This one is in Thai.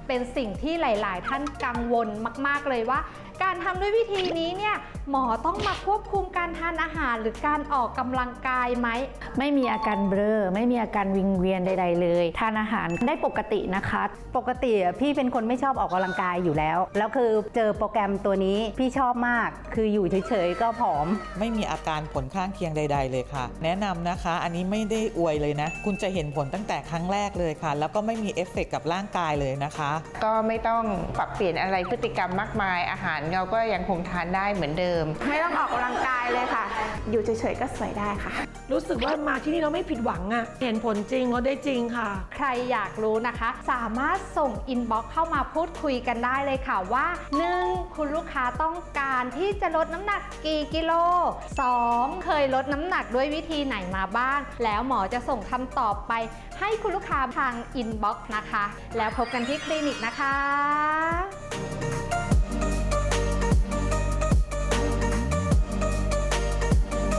เป็นสิ่งที่หลายๆท่านกังวลมากๆเลยว่าการทำด้วยวิธีนี้เนี่ยหมอต้องมาควบคุมการทานอาหารหรือการออกกำลังกายไหมไม่มีอาการเบลอไม่มีอาการวิงเวียนใดๆเลยทานอาหารได้ปกตินะคะปกติพี่เป็นคนไม่ชอบออกกำลังกายอยู่แล้วคือเจอโปรแกรมตัวนี้พี่ชอบมากคืออยู่เฉยๆก็ผอมไม่มีอาการผลข้างเคียงใดๆเลยค่ะแนะนำนะคะอันนี้ไม่ได้อวยเลยนะคุณจะเห็นผลตั้งแต่ครั้งแรกเลยค่ะแล้วก็ไม่มีเอฟเฟกต์กับร่างกายเลยนะคะก็ไม่ต้องปรับเปลี่ยนอะไรพฤติกรรมมากมายอาหารเราก็ยังคงทานได้เหมือนเดิมไม่ต้องออกกำลังกายเลยค่ะอยู่เฉยๆก็สวยได้ค่ะรู้สึกว่ามาที่นี่เราไม่ผิดหวังอะเห็นผลจริงก็ได้จริงค่ะใครอยากรู้นะคะสามารถส่งอินบ็อกซ์เข้ามาพูดคุยกันได้เลยค่ะว่า 1. คุณลูกค้าต้องการที่จะลดน้ำหนักกี่กิโล 2. เคยลดน้ำหนักด้วยวิธีไหนมาบ้างแล้วหมอจะส่งคำตอบไปให้คุณลูกค้าทางอินบ็อกซ์นะคะแล้วพบกันที่คลินิกนะคะ